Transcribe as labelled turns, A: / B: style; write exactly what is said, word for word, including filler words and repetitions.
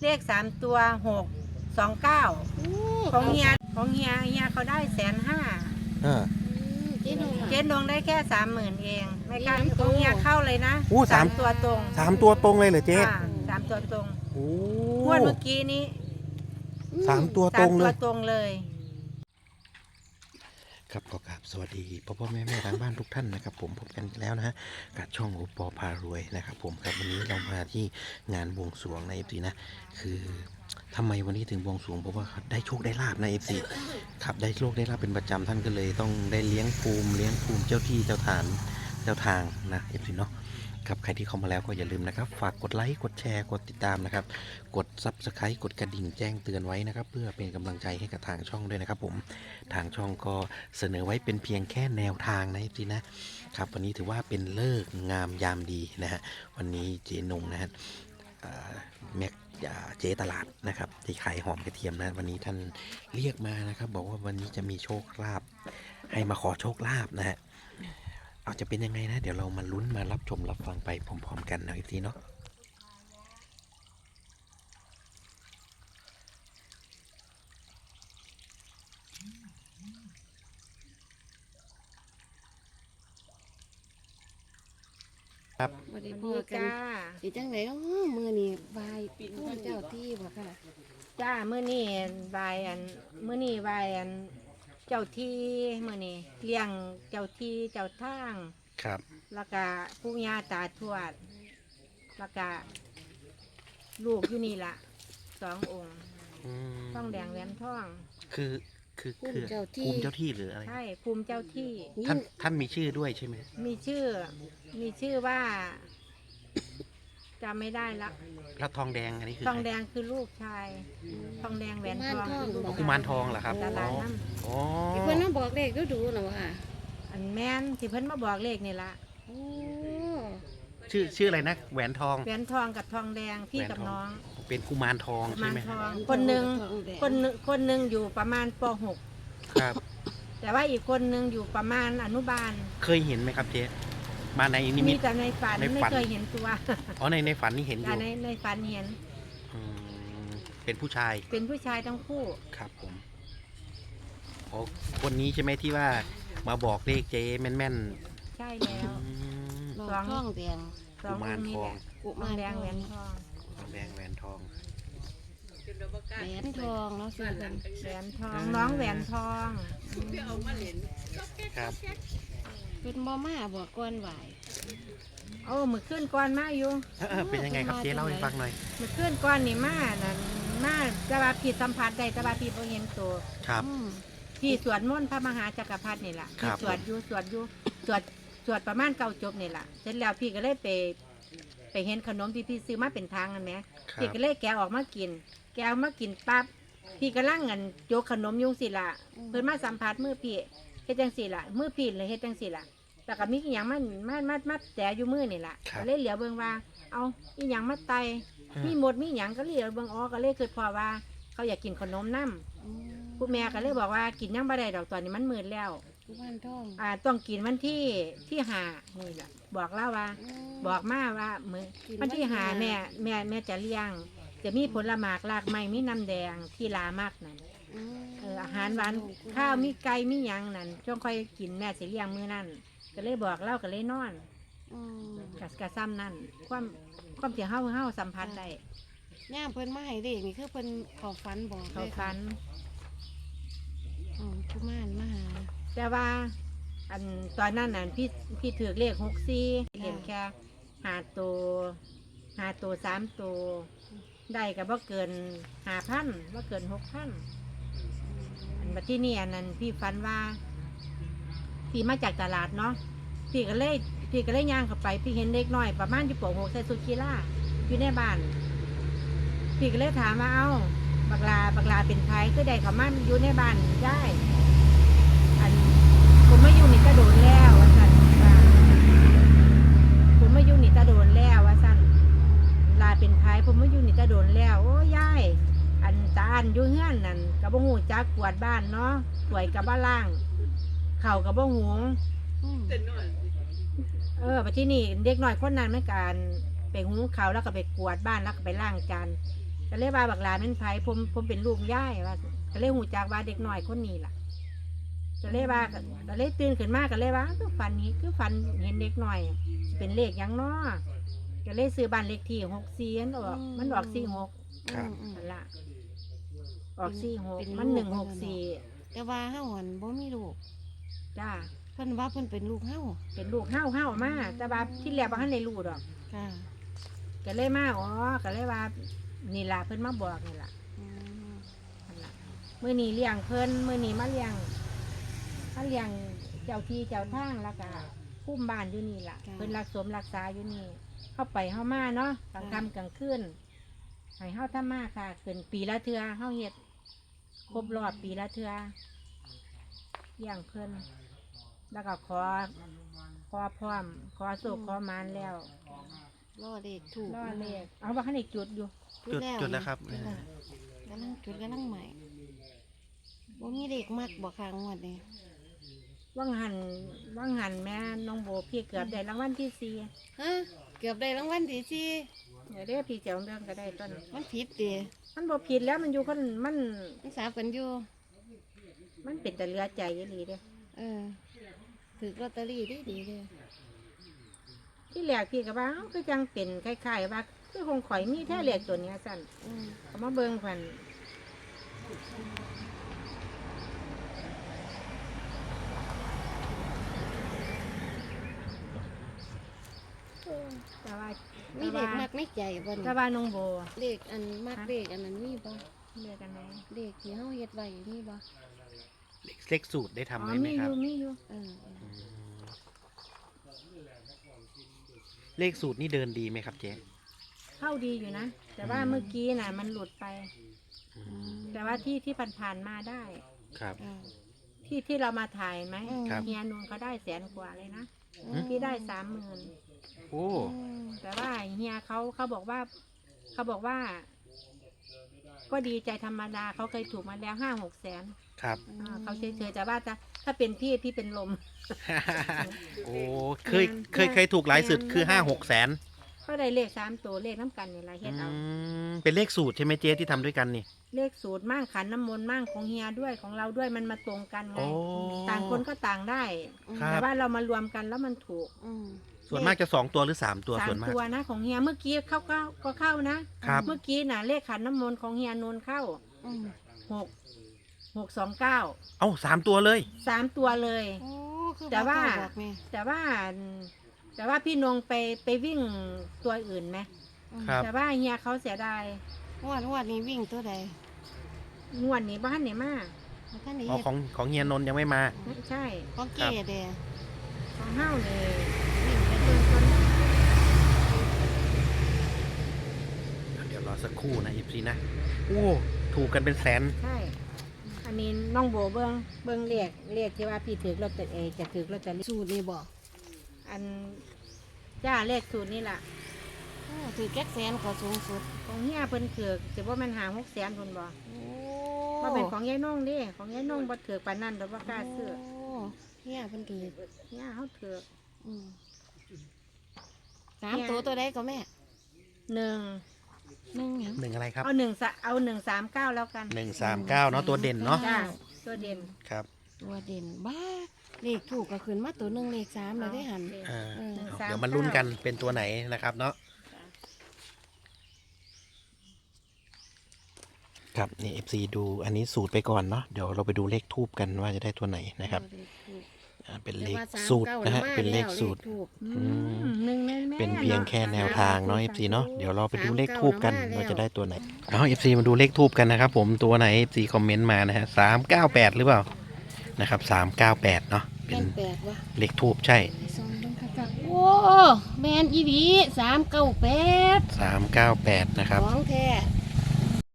A: เลขสามตัวหกสองเก้าของเฮียของเฮียเฮียเขาได้แสนห้าเจ๊ดวงได้แค่สามหมื่นเองไม่กล้าของเฮียเข้าเลยนะสามตัวตรง
B: สามตัวตรงเลยเหรอเจ๊
A: สามตัวตรง
B: โอ้
A: งวดเมื่อกี้นี้
B: สามตัวตรงเลย
A: สามตัวตรงเลย
B: ครับขอกราบสวัสดีพ่อพ่อแม่แม่ทางบ้านทุกท่านนะครับผมพบกันแล้วนะฮะกับช่องโอปอพารวยนะครับผมครับวันนี้เรามาที่งานบวงสรวงในเอฟซีนะคือทำไมวันนี้ถึงบวงสรวงเพราะว่าได้โชคได้ลาบในเอฟซีครับได้โชคได้ลาบเป็นประจำท่านก็เลยต้องได้เลี้ยงภูมิเลี้ยงภูมิเจ้าที่เจ้าฐานเจ้าทางนะเอฟซีเนาะครับใครที่เข้ามาแล้วก็อย่าลืมนะครับฝากกดไลค์กดแชร์กดติดตามนะครับกดซับสไครต์กดกระดิ่งแจ้งเตือนไว้นะครับเพื่อเป็นกำลังใจให้กับทางช่องด้วยนะครับผมทางช่องก็เสนอไว้เป็นเพียงแค่แนวทางนะทีนะครับวันนี้ถือว่าเป็นเลิกงามยามดีนะฮะวันนี้เจนงนะฮะแม็กเจตลาดนะครับที่ขายหอมกระเทียมนะวันนี้ท่านเรียกมานะครับบอกว่าวันนี้จะมีโชคลาภให้มาขอโชคลาภนะฮะเอาจะเป็นยังไงนะเดี๋ยวเรามาลุ้นมารับชมรับฟังไปพร้อมๆกันนะอีกทีเนาะครับ
C: สวัสดีพ่อกันสิจังไหนอ๋อมือนี่บายผู้เจ้าที่บ่ค่ะ
A: จ้ามื้อนี้บายอันมื้อนี้บายอันเจ้าที่มื้อนี้เลี้ยงเจ้าที่เจ้าทาง
B: ครับ
A: แล้วก็ปู่ย่าตาทวดแล้วก็ลูกอยู่นี่ล่ะสององค์ทองแดงแหวนทอง
B: คือคือคือภูมิเจ้าที่หรืออะไร
A: ใช่ภูมิเจ้าที่
B: ท่านท่านมีชื่อด้วยใช่ไหม
A: มีชื่อมีชื่อว่าจำไม่ได้ละ
B: แล้วทองแดงอันนี้คือ
A: ทองแดงคือลูกชายทองแดงแหวนทองคือลูก
B: กุมารทองเหรอครับ
A: ตลาดน้
B: ำอ๋อ
C: เพื่อนน้องบอกเลขดูดูหรอวะ
A: อันแม่นที่เพิ่นมาบอกเลขนี่ละ
B: ชื่อชื่ออะไรนะแหวนทอง
A: แหวนทองกับทองแดงพี่กับน้อง
B: เป็นกุมารทองใช่ไหม
A: คนหนึ่งคนหนึ่งคนหนึ่งอยู่ประมาณป หก
B: ครับ
A: แต่ว่าอีกคนหนึ่งอยู่ประมาณอนุบาล
B: เคยเห็นไหมครับเจ๊มาในนิมิต
A: มีแต่ในฝันไม่เคยเห็นตัว
B: อ๋อในในฝันนี่เห็นอยู่
A: ในในฝันเห็น
B: เป็นผู้ชาย
A: เป็นผู้ชายทั้งคู่
B: ครับผมโอ้คนนี้ใช่ไหมที่ว่ามาบอกเลขเจ๊แม่น
A: ๆใช่แล้ว
C: สองทองแดง
B: กุมารทอง
A: กุมารแดงแหวนทอง
B: แดงแหวนทอง
C: แหวนทองเนาะชื่อกัน
A: แหวนทองน้องแหวนทอง
B: ครับ
C: เป็นบ่มาบอกก้อนไหว
A: โอ้มือขึ้นก้อนมาอยู่
B: เป็นยังไงครับเจ๊เล่าให้ฟังหน่อย
A: มือขึ้นก้อนนี่มานั่นมาจะว่าผิดสัมผัสได้จะว่าผิดบ่เห็นตัว
B: ครับ
A: พี่สวดมนต์พระมหาจักรพรรดินี่แหละพี่สวดอยู่สวดอยู่สวดสวดประมาณเก้าจบนี่แหละเสร็จแล้วพี่ก็เลยไปไปเห็นขนมที่พี่ซื้อมาเป็นทางนั่นไหมพี่ก็เลยแกะออกมากินแกะมากินปั๊บพี่ก็ล่างเงินโยกขนมยุงสิละเพิ่นมาสัมผัสมือพี่เฮ็ดจังสิละมือพี่เลยเฮ็ดจังสิละแล้วก็มีอีหยังมันมามามาแต่อยู่มือนี่แหละก็เลยเหลียวเบิ่งว่าเอาอีหยังมาไตมีหมดมีหยังก็เหลียวเบิ่งอ๋อก็เลยคิดพอว่าเขาอยากกินขนมน้ำผู้แม่ก็เลยบอกว่ากินยังบ่ได้ดอกตอนนี้มันมืดแล้วอ่าต้องกินวันที่ที่หานี่แหละบอกเล่าว่าบอกมาว่ามือวันที่หาแม่แม่แม่จะเลี้ยงจะมีผลหมากรากไม้มีน้ำแดงที่ลามากนั่นเอออาหารหวานข้าวมีไก่มีหยังนั่นช่วงค่อยกินแม่จะเลี้ยงมื้อนั่นก็เลยบอกเล่าก็เลยนอนกัสกะซ้ำนั่นความความเสียเฮาเฮาสัมพันธ์ได้
C: ย่ามเพิ่นมาให้เด็กนี่คือเพิ่นเขาฟันบอก
A: เขาฟัน
C: อ๋อกุมารมาหา
A: แต่ว่าอันตอนนั้นน่ะพี่พี่ถือเลขหกสี่เห็นแค่หาตัวหาตัวสามตัวได้กับว่าเกินหาพันว่าเกินหกพันอันมาที่นี่อันนั้นพี่ฟันว่าพี่มาจากตลาดเนาะพี่ก็เลยพี่ก็เลยย่างเข้าไปพี่เห็นเด็กน้อยประมาณอยู่ป หกใส่สุดกีฬาอยู่ในบ้านพี่ก็เลยถามว่าเอ้าบักลาบักลาเป็นใครก็ได้เขามาอยู่ในบ้านได้อันผมมาอยู่นี่จะโดนแล้วว่าสั่นผมมาอยู่นี่จะโดนแล้วว่าสั่นลาเป็นใครผมมาอยู่นี่จะโดนแล้วโอ้ยายอันตาอันอยู่เฮือนนั่นกับบ่หูจักกวาดบ้านเนาะสวยกับบ้านล่างเข่ากับบ่หงเออไปที่นี่เด็กน้อยคนนั้นเหมือนกันไปหูเขาแล้วก็ไปกวาดบ้านแล้วก็ไปล้างจานไปก็เลยว่าบักหลาเป็นไผผมผมเป็นลูกย่ายว่าก็เลยหูจักว่าเด็กน้อยคนนี้ล่ะก็เลยว่าก็เลยตื่นขึ้นมาก็เลยว่าคือฝันนี้คือฝันเห็นเด็กน้อยสิเป็นเลขหยังน้อก็เลยซื้อบ้านเลขที่หกสี่มันออกมันออกสี่หก
B: ครับ
C: อืม
A: นั่นล่ะออกสี่หก
C: เป็น
A: มัน
C: ลูก
A: หนึ่งหกสี่
C: แต่ว่าเฮาหันบ่มีลูก
A: จ้า
C: เพิ่นว่าเพิ่นเป็นลูกเฮา
A: เป็นลูกเฮ้าเฮ้ามาแต่ว่าที่แรกบ่ทันได้รู้ดอก
C: ค่ะ
A: ก็เลยมาอ๋อก็เลยว่านี่ล่ะเพิ่นมาบอกนี่ล่ะ
C: อืม
A: นั่นล่ะมื้อนี้เลี้ยงเพิ่นมื้อนี้มาเลี้ยงมาเลี้ยงเจ้าที่เจ้าทางแล้วก็คุ้มบ้านอยู่นี่ล่ะเพิ่นรักสมรักษาอยู่นี่เข้าไปเข้ามาเนาะกลางค่ำกลางคืนให้เฮาทำมาค่ะขึ้นปีละเทื่อเฮาเฮ็ดครบรอบปีละเทื่อเลี้ยงเพิ่นแล้วก็ขอขอพร้อมขอสุขขอมานแล้ว
C: รอเลขถูก
A: รอเลขเอาว่าคันอีกจุดอยู่
B: จุดจุดแล้วครับ
C: จุดแล้วกำลังจุดกำลังใหม่บ่มีเลขมักบ่ค้างงวดนี้
A: ว่างหันว่างหันแม่น้องโบพี่เกือบได้รางวัลที่สี่
C: ฮะเกือบได้รางวัลที่สี่
A: เดี๋ยวเด้อพี่เจ้าเรื่องก็ได้ต้น
C: มันผิดติ
A: มันบ่ผิดแล้วมันอยู่คนมัน
C: มันสาบกันอยู่
A: มันเป็นแต่เหลือใจยี่หลีเด้อ
C: เออถือลอตเตอรี่ดีดีๆเลย
A: ที่แรกพี่ก็ว่าเอ้าคือจังเป็นคล้ายๆว่าคือคงข่อยมีแท้เลขตัวเนี้ยสั่น
C: อืม
A: เอามาเบิ่งพันแต่ว่า
C: มีเลขมักไม่ใจบ่
A: แต่
C: นี่
A: ว่าน้องโบ
C: เลขอันมักเลขอันนั้นมีบ่
A: เรียกกันไหน
C: เลขที่เฮาเฮ็ดไว้มีบ่
B: เลขเลขสูตรได้ทำ
A: อ๋อ
B: ไว้ไหม
A: มีอ
B: ครับ
A: ยู่มีอยู่
C: เออเออ
B: อืมเลขสูตรนี่เดินดีไหมครับเจ๊
A: เข้าดีอยู่นะ แต่ว่าเมื่อกี้น่ะ มันหลุดไป
B: อื
C: อื
B: ม
C: ม
A: แต่ว่าที่ที่ผ่านๆมาได้
B: ครับ
C: อ่า
A: ที่ที่เรามาถ่ายไหม
B: ครับ
A: เฮียนูนเขาได้แสนกว่าเลยนะ
C: อืม
A: พี่ได้สามหมื่น
B: โอ้
C: อืม
A: แต่ว่าเฮียเขาเขาบอกว่า เขาบอกว่า ก็ดีใจธรรมดาเขาเคยถูกมาแล้วห้าหกแสน
B: ครับ
A: อ่าเขาเฉยๆแต่ว่าจะถ้าเป็นพี่พี่เป็นลม
B: โอ้เคยเคยเคยถูกหลายสุดคือห้าหกแสน
A: ก็ได้เลขสามตัวเลขน้ำกันเนี่ยละเฮ็ดเอา
B: เป็นเลขสูตรใช่ไหมเจ๊ที่ทำด้วยกันนี่
A: เลขสูตรมั่งขันน้ำมนต์มั่งของเฮียด้วยของเราด้วยมันมาตรงกันไง
B: โอ้
A: ต่างคนก็ต่างได้
B: ครับ
A: แต่ว่าเรามารวมกันแล้วมันถูก
C: อืม
B: ส่วนมากจะสองตัวหรือสามตัว
A: สา
B: ส่ว
A: ม
B: นมาก
A: ตัวนะของเฮียเมื่อกี้เข้าก็ก็เข้านะครับ เมื่อกี้น่ะเลขขันน้ำมนต์ของเฮียนนท์เข้า
C: อืม
A: หกหกสองเก้า
B: เอ้าสามตัวเลย
A: สามตัวเลย
C: โอ้คือ
A: แต่ว่า
C: บ่กล้บอกแม่
A: แต่ว่า แต่ว่าพี่นงไปไปวิ่งตัวอื่นไหม
C: อืม
B: ครับ
A: แต่ว่าเฮียเขาเสียดาย
C: งวดงวดนี้วิ่งตัวใด
A: งวดนี้บ้านเนี่ยมาก
C: บ่ทันได้
B: อ๋อ
C: เฮ็ด
B: ของของเฮียนนท์ยังไม่มา
A: ใช่
C: ของเก๋เด้
A: ของเฮ้าเลย
C: วิ่งไป
A: เดินคน
B: เดี๋ยวรอสักครู่นะอีพีนะ โอ้ ถูกกันเป็นแสน
A: ใช่ อันนี้น้องโบเบิ้งเบิ้งเรียกเรียกที่ว่าพี่ถือรถแต่เออจะถือรถแต่
C: สูตรนี่บ่
A: อันจ้าเลขสูตรนี่ล่ะ
C: โอ้ถือแก๊กแสนก็สูงสุด
A: ของเฮียเพิ่นถือจะว่ามันหาหกแสนคนบ่
C: โอ้
A: ว่าเป็นของยายน้องเดิของยายน้องบ่ถือปานนั้นดอกบ่กล้าซื้อ
C: โเฮียเพิ่นถือ
A: เฮียเขาถือ
C: อืมสามตัวตัวใดก็แม่
A: หนึ่ง
C: หนึ่งหยัง
B: หนึ่งอะไรครับ
A: เอาหนึ่งสะเอาหนึ่งสามเก้าแล้วกัน
B: หนึ่งสามเก้าเนาะตัวเด่นเนาะ
A: จ้าตัวเด่น
B: ครับ
C: ตัวเด่นบ้าเลขถูกก็ขึ้นมาตัวหนึ่งเลขสามเลยได้หัน
B: อ่า
C: เออ
B: เดี๋ยวมาลุ้นกันเป็นตัวไหนนะครับเนาะ ครับนี่ เอฟ ซี ดูอันนี้สูตรไปก่อนเนาะ เดี๋ยวเราไปดูเลขทูบกันว่าจะได้ตัวไหนนะครับ
C: เลขถูก
B: อ่าเป็น
C: แต่
B: เลข
C: ว่าสาม
B: สูตร
C: ก้า
B: นะฮะ
C: มา
B: เป็นเลข
C: แล้ว
B: สูตร
C: ถูก
A: อืมหนึ่งแม่แม่
B: เป็นเพียงแค่แนวทางเนาะ เอฟ ซี เนาะ เดี๋ยวเราไปดูเลขทูบกัน
C: สามเก้า
B: ว่าจะได้ตัวไหน เอา เอฟ ซี มาดูเลขทูบกันนะครับผมตัวไหน เอฟ ซี คอมเมนต์มานะฮะสามเก้าแปดหรือเปล่า นะครับสามเก้าแปดเนาะ เป็
C: เป็น นแปดวะ
B: เลขทูบใช่
C: ไอ้ซองต้องคักๆโอ้แมนอีหลีสามเก้าแปด
B: สามเก้าแปดนะครับ
C: ของแท้